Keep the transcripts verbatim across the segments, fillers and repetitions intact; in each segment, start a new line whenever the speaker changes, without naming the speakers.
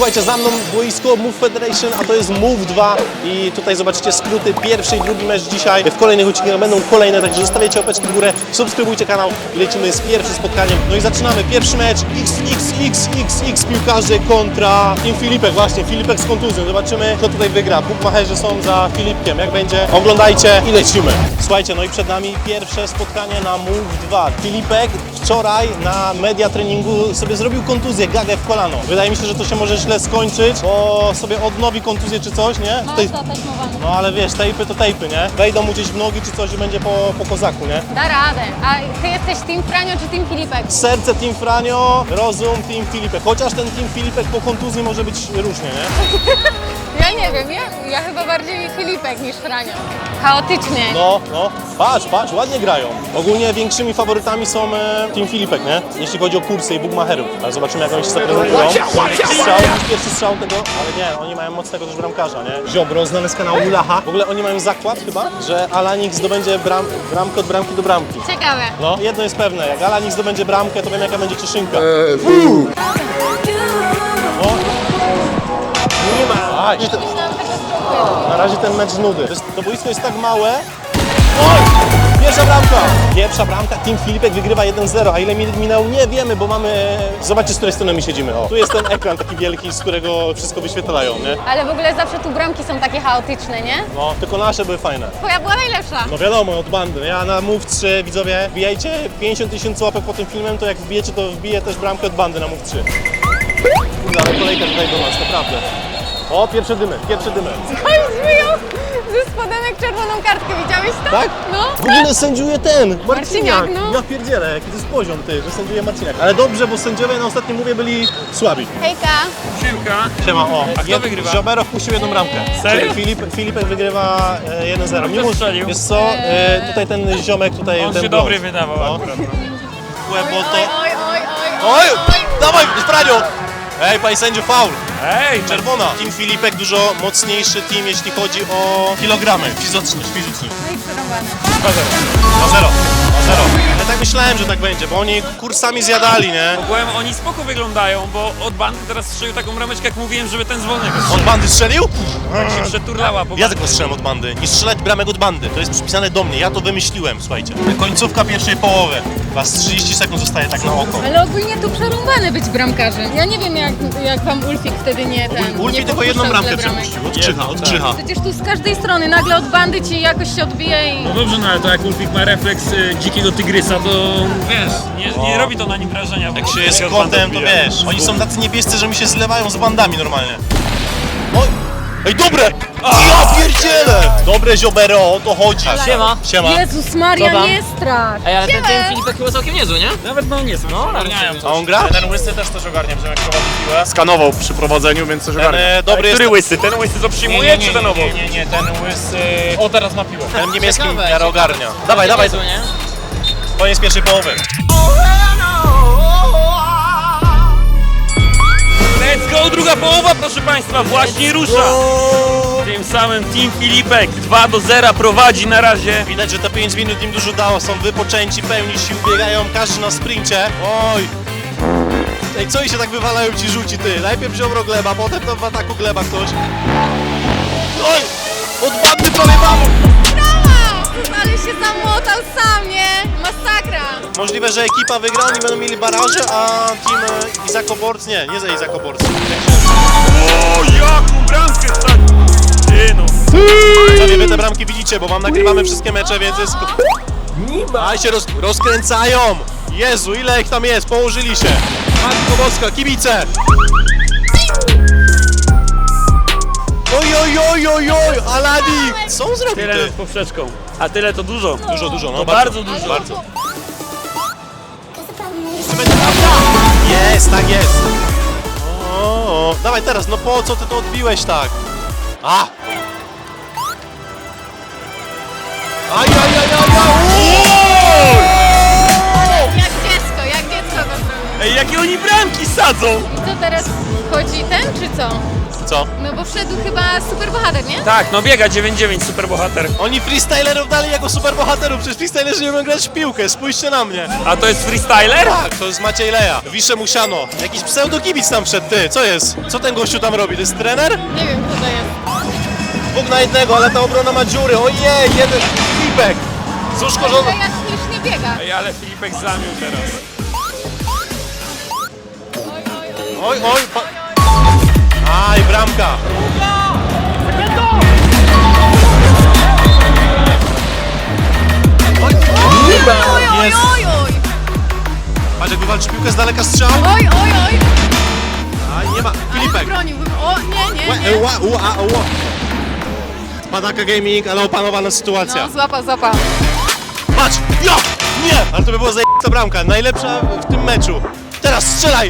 Słuchajcie, za mną boisko Move Federation, a to jest Move dwa i tutaj zobaczycie skróty. Pierwszy i drugi mecz dzisiaj. W kolejnych odcinkach będą kolejne, także zostawiajcie łapeczki w górę, subskrybujcie kanał i lecimy z pierwszym spotkaniem. No i zaczynamy. Pierwszy mecz X X X X X piłkarze kontra Team Filipek. Właśnie, Filipek z kontuzją. Zobaczymy, kto tutaj wygra. Bukmacherzy są za Filipkiem. Jak będzie? Oglądajcie i lecimy. Słuchajcie, no i przed nami pierwsze spotkanie na Move dwa. Filipek wczoraj na media treningu sobie zrobił kontuzję, gagę w kolano. Wydaje mi się, że to się może źle skończyć, bo sobie odnowi kontuzję czy coś, nie?
No,
Tutaj...
to taśmowane.
No ale wiesz, tejpy to tejpy, nie? Wejdą mu gdzieś w nogi czy coś i będzie po, po kozaku, nie?
Da radę. A ty jesteś Team Franio czy Team Filipek?
Serce Team Franio, rozum Team Filipek. Chociaż ten Team Filipek po kontuzji może być różnie, nie?
Ja nie wiem, ja, ja chyba bardziej Filipek niż Franio. Chaotycznie.
No, no. Patrz, patrz, ładnie grają. Ogólnie większymi faworytami są e, Team Filipek, nie? Jeśli chodzi o kursy i bugmacherów. Ale zobaczymy, jak oni się zaprezentują. Strzał, pierwszy strzał tego, ale nie, oni mają mocnego też bramkarza, nie? Ziobro, znany z kanału Ulacha. W ogóle oni mają zakład chyba, że Alanik zdobędzie bram, bramkę od bramki do bramki.
Ciekawe.
No, jedno jest pewne, jak Alanik zdobędzie bramkę, to wiem, jaka będzie cieszynka. O. Nie ma. Aj.
Myślałam tego spróbuję.
Na razie ten mecz z nudy. To, jest, to boisko jest tak małe. Oj! Pierwsza bramka! Pierwsza bramka, Team Filipek wygrywa jeden zero, a ile minut minęło nie wiemy, bo mamy... Zobaczcie, z której strony my siedzimy. O, tu jest ten ekran taki wielki, z którego wszystko wyświetlają, nie?
Ale w ogóle zawsze tu bramki są takie chaotyczne, nie?
No, tylko nasze były fajne.
Twoja była najlepsza.
No wiadomo, od bandy. Ja na Move trzy, widzowie, wbijajcie pięćdziesiąt tysięcy łapek po tym filmem, to jak wbijecie, to wbiję też bramkę od bandy na Move trzy. Kurde, ale kolejka tutaj do nas, naprawdę. O, pierwsze dymy, pierwsze dymy.
Ktoś wyjął ze spodenek czerwoną kartkę, widziałeś to?
Tak?
No.
W ogóle sędziuje ten, Marciniak.
Marciniak, no.
Ja pierdzielę, jaki to jest poziom, ty, że sędziuje Marciniak. Ale dobrze, bo sędziowie na ostatnim mówię byli słabi.
Hejka.
Siemka.
Siema, o.
A kto wygrywa?
Ziobero wpuścił jedną bramkę.
Serio?
Czyli Filip, Filipek wygrywa e, jeden zero.
A kto strzelił?
Wiesz co, e, tutaj ten ziomek, tutaj
On
ten
się
blond.
dobry wydawał
No.
akurat. No.
Łebo
Oj,
to...
oj, oj, oj,
Oj, dawaj, Franio! Ej, panie sędziu, faul.
Ej,
Czerwona. Team Filipek dużo mocniejszy team, jeśli chodzi o kilogramy. Fizyczność, fizyczność.
no i przerąbane.
dwa zero. dwa zero. Ja tak myślałem, że tak będzie, bo oni kursami zjadali, nie?
ogółem oni spoko wyglądają, bo od bandy teraz strzelił taką rameczkę, jak mówiłem, żeby ten z wolnego strzelił.
Od bandy strzelił?
Tak się przeturlała po
Ja tylko strzelam od bandy. Nie strzelać bramek od bandy. To jest przypisane do mnie. Ja to wymyśliłem, słuchajcie. Końcówka pierwszej połowy. Was trzydzieści sekund zostaje tak na oko.
Ale ogólnie tu przerąbane być bramkarzem. Ja nie wiem, jak, jak wam Ulfik wtedy nie ten.
Ulfi
nie
tylko jedną
podpuszczał
bramkę
tyle bramek.
przepuścił. Od Krzycha, od
tak.
Krzycha.
Przecież tu z każdej strony nagle od bandy ci jakoś się odbije i...
No dobrze, no ale to jak Ulfik ma refleks y, dzikiego tygrysa, to wiesz, nie, nie robi to na nim wrażenia.
Jak się jest kotem, to wiesz. Oni są tacy niebiescy, że mi się zlewają z bandami normalnie. Oj! Ej, dobre! Ja pierdzielę! Dobre ziobero, o to chodzi.
Siema.
Siema.
Jezus Maria,
Co tam?
nie strach!
Ej, ale ten,
Siema.
ten Filipek chyba całkiem niezły, nie?
Nawet no nie są, no, ogarniają
A
coś.
on gra?
Ten łysy też coś ogarnia, że jak prowadzi piłę. Skanował przy prowadzeniu, więc coś ogarnia.
e, dobry
Który
jest-
łysy? Ten łysy co przyjmuje, czy ten obok?
nie, nie, nie, ten łysy... O, teraz ma piłę.
Ten niemiecki
Ciekawe,
miarę ogarnia. Dawaj, dawaj,
Niezły, nie?
koniec pierwszej połowy.
Let's go, druga połowa, proszę państwa, właśnie rusza. Tym samym Team Filipek dwa do zera prowadzi na razie.
Widać, że te pięć minut im dużo dało, są wypoczęci, pełni sił, biegają każdy na sprincie. Oj! Ej, co i się tak wywalają ci rzuci, ty? Najpierw Ziobro gleba, potem tam w ataku gleba ktoś. Oj! Od bandy prawie mamy!
Ale się zamłotał sam, nie? Masakra!
Możliwe, że ekipa wygra, oni będą mieli baraże, a team e, Izakoborc, nie, nie za Izakoborc.
O, jaką bramkę wsadził! Ty no.
Sobie wy te bramki widzicie, bo wam nagrywamy wszystkie mecze, więc jest... Aj się roz, rozkręcają! Jezu, ile ich tam jest, położyli się! Matko Boska, kibice! Oj, oj, oj, oj, oj, Aladi! Co on zrobił,
Tyle
ty?
nad poprzeczką. A tyle to dużo.
Dużo, dużo, no
To bardzo dużo.
Bardzo. Jeszcze będzie prawda! Jest, tak jest! O, o, dawaj teraz, no po co ty to odbiłeś tak? A! Aj, aj, aj, aj, aj!
Jak dziecko, jak dziecko to zrobił.
Ej, jakie oni bramki
sadzą.
I co teraz wchodzi ten, czy co?
Co?
No bo wszedł chyba super bohater, nie?
Tak, no biega dziewięć dziewięć, super bohater.
Oni freestylerów dali jako superbohaterów, przecież freestylerzy nie umieją grać w piłkę, spójrzcie na mnie.
A to jest freestyler?
Tak, to jest Maciej Leja. Wisze Musiano. Jakiś pseudokibic tam wszedł, ty, co jest? Co ten gościu tam robi? To jest trener?
Nie wiem, kto to jest.
Dwóch na jednego, ale ta obrona ma dziury. Ojej, jeden Filipek. Cóż,
To
korzona.
jak śmiesznie biega.
Ej, ale Filipek zamił teraz.
Oj, oj, oj.
Oj, oj. Pa... Aj, bramka. Oj,
Oj, oj,
jest.
oj, oj.
Patrz, jak wywalczy piłkę z daleka strzał.
Oj, oj, oj.
Aj, nie ma.
Ale
Filipek.
wybroniłbym. O, nie, nie,
Łe,
nie.
ła, ua, ua. Padaka Gaming, ale opanowana sytuacja.
No, złapał, złapał.
Patrz! Ja! Nie! Ale to by była zajebista bramka, najlepsza w tym meczu. Teraz strzelaj!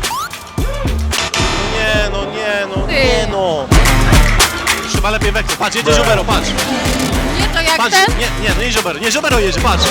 No nie, no nie, no
Ty.
nie, no. Chyba lepiej wektor. Patrz, jedzie Żobero, patrz.
Nie, to jak
Patrz,
ten?
nie, nie, no nie Żobero, nie Żobero jedzie, patrz.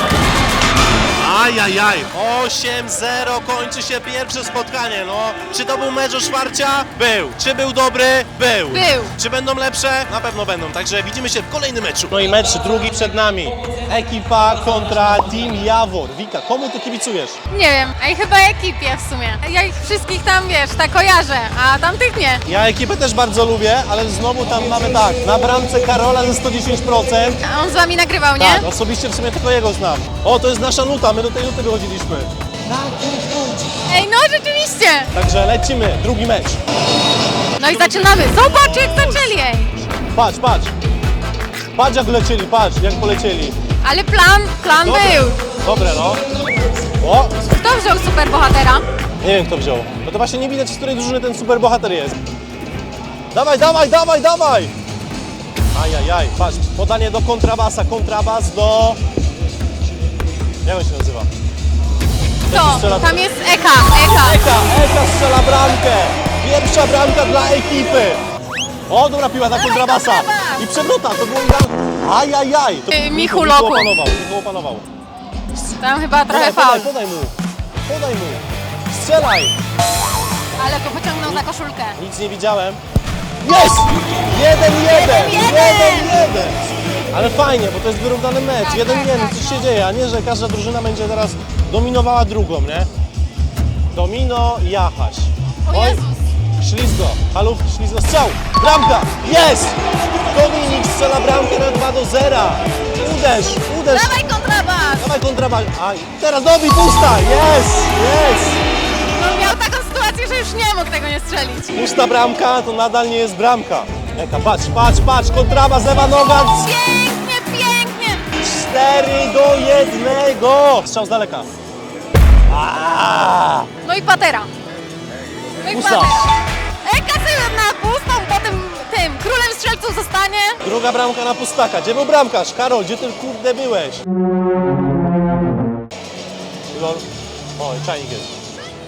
Ajajaj, osiem zero kończy się pierwsze spotkanie, no. Czy to był mecz o Szwarcia? Był. Czy był dobry? Był.
Był.
Czy będą lepsze? Na pewno będą, także widzimy się w kolejnym meczu. No i mecz drugi przed nami. Ekipa kontra Team Jawor. Wika, komu ty kibicujesz?
Nie wiem, a i chyba ekipie w sumie. Ja ich wszystkich tam, wiesz, tak kojarzę, a tamtych nie.
Ja ekipę też bardzo lubię, ale znowu tam mamy tak, na bramce Karola ze sto dziesięć procent.
A on z wami nagrywał, nie?
Tak, osobiście w sumie tylko jego znam. O, to jest nasza nuta, my do tej nuty wychodziliśmy.
Ej, no rzeczywiście.
Także lecimy, drugi mecz.
No i zaczynamy. Zobacz, jak zaczęli, ej.
Patrz, patrz. Patrz jak lecieli, patrz jak polecieli.
Ale plan, plan
Dobre.
był.
Dobre, no. O,
Kto wziął super bohatera?
nie wiem kto wziął. No to właśnie nie widać, z której drużyny ten super bohater jest. Dawaj, dawaj, dawaj, dawaj! Ajajaj, patrz, podanie do kontrabasa, kontrabas do... Jak on się nazywa?
To, tam jest Eka, Eka.
Eka, Eka strzela bramkę! Pierwsza bramka dla ekipy! O, dobra piła na kontrabasa!
kontrabas!
I przewrota, to było bramka! Ajajaj! To
Yy,
Michu,
Michu
Michu
Loku.
opanował, Michu opanował.
Tam chyba trochę
Podaj, podaj,
faul.
podaj mu! Podaj mu! Strzelaj!
Ale go pociągnął za koszulkę.
Nic nie widziałem. Jest! Jeden, jeden!
Jeden,
Jeden, jeden! Ale fajnie, bo to jest wyrównany mecz.
Tak,
jeden,
tak,
jeden,
tak.
coś się dzieje, a nie, że każda drużyna będzie teraz dominowała drugą, nie? Domino i Jachaś.
O Jezus.
Ślizgo, halów, ślizgo, strzał! Bramka! Jest! Dominik strzela bramkę na dwa do zera. Uderz, uderz!
Dawaj kontrabas.
Dawaj kontrabas! A teraz dobi pusta! Jest! Jest!
No miał taką sytuację, że już nie mógł tego nie strzelić.
Pusta bramka to nadal nie jest bramka. Eka, patrz, patrz, patrz, kontrabas, lewa noga,
Pięknie, pięknie.
cztery do jednego. Strzał z daleka. Aaaa!
No i patera. No i
Pusta.
patera. Eka sobie na pustą, potem tym królem strzelców zostanie.
Druga bramka na pustaka. Gdzie był bramkarz? Karol, gdzie ty kurde byłeś? Lol. O, i czajnik jest.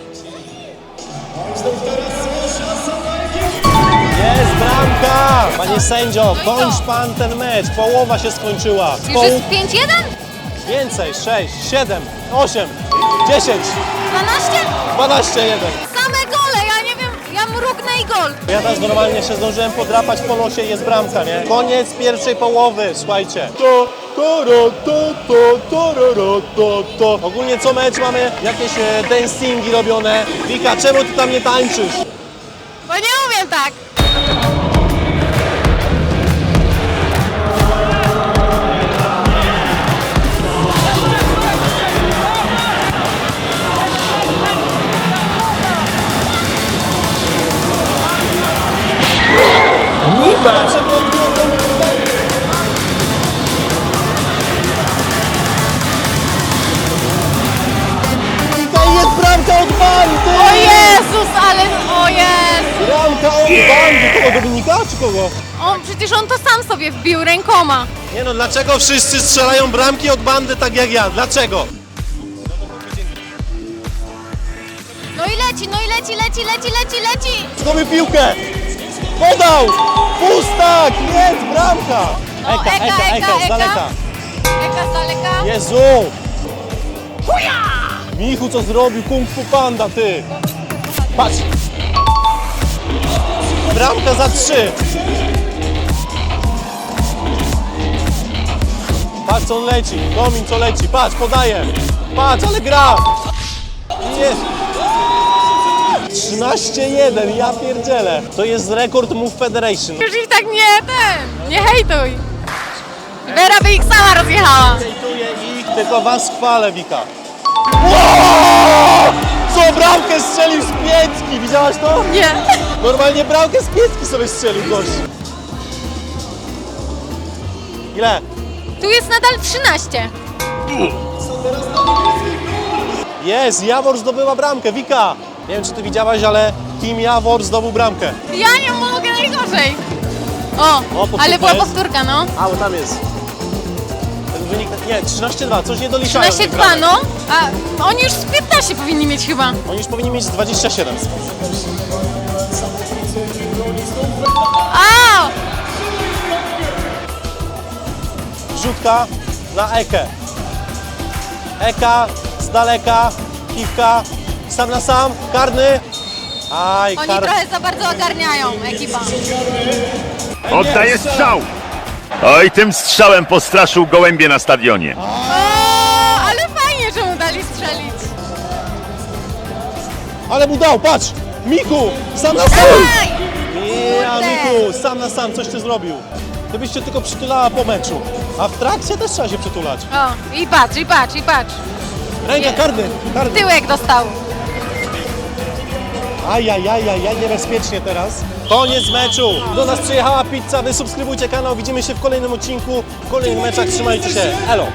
Jest bramka! Panie sędzio, kończ pan ten mecz. Połowa się skończyła.
Już
Poł-
jest pięć jeden?
Więcej, sześć, siedem, osiem, dziesięć,
dwanaście?
dwanaście, jeden.
Same gole, ja nie wiem, ja mrugnę i gol.
Ja teraz normalnie się zdążyłem podrapać po nosie i jest bramka, nie? Koniec pierwszej połowy, słuchajcie. To, to, ro, to, to, to, ro, ro, to, to. Ogólnie co mecz mamy jakieś e, dancingi robione. Wika, czemu ty tam nie tańczysz?
Bo nie umiem tak.
Wika, jest bramka od bandy!
O Jezus, ale o Jezu.
Bramka od bandy! Kogo, Dominika czy kogo?
On, przecież on to sam sobie wbił rękoma.
Nie no, dlaczego wszyscy strzelają bramki od bandy tak jak ja? Dlaczego?
No i leci, no i leci, leci, leci, leci, leci.
Zdobył piłkę! Podał! Pustak! Jest bramka!
No,
Eka, Eka, Eka, z daleka.
Eka z daleka.
Jezu! Michu, co zrobił? Kung Fu Panda, ty! Patrz! Bramka za trzy! Patrz co on leci, Domin co leci, patrz, podaje! Patrz, ale gra! Jest! trzynaście jeden, ja pierdzielę! To jest rekord Move Federation.
Już ich tak nie, ten, nie hejtuj. Vera by ich sama rozjechała.
Hejtuję ich, tylko was chwalę, Wika. Wow! Co bramkę strzelił z piętki, widziałaś to?
Nie.
Normalnie bramkę z piętki sobie strzelił gość. Ile?
Tu jest nadal trzynaście.
Jest, Jawor zdobyła bramkę, Wika. Nie wiem, czy ty widziałaś, ale Team Jawor zdobył bramkę.
Ja nie mogę najgorzej. O,
powtórka
ale była
jest?
powtórka, no.
A, bo tam jest. Ten wynik, nie, trzynaście dwa, coś nie doliczają.
trzynaście
tych
dwa,
bramek.
no. A oni już z piętnaście powinni mieć chyba.
Oni już powinni mieć z dwadzieścia siedem.
A!
Rzutka na Ekę. Eka z daleka, kiwka, sam na sam, karny. Aj,
Oni
kar...
trochę za bardzo ogarniają, ekipa.
Oddaje strzał! Oj, tym strzałem postraszył gołębie na stadionie.
O, ale fajnie, że mu dali strzelić.
Ale mu dał, patrz! Miku, sam na sam!
Dawaj!
Ja,
Kurde.
Miku, sam na sam, coś ty zrobił. Ty byś się tylko przytulała po meczu. A w trakcie też trzeba się przytulać.
O, i patrz, i patrz, i patrz.
Ręka,
Nie.
karny, karny.
Tyłek dostał.
Ajajajajaj, niebezpiecznie teraz. Koniec meczu. Do nas przyjechała pizza, wy subskrybujcie kanał, widzimy się w kolejnym odcinku, w kolejnych meczach, trzymajcie się, elo.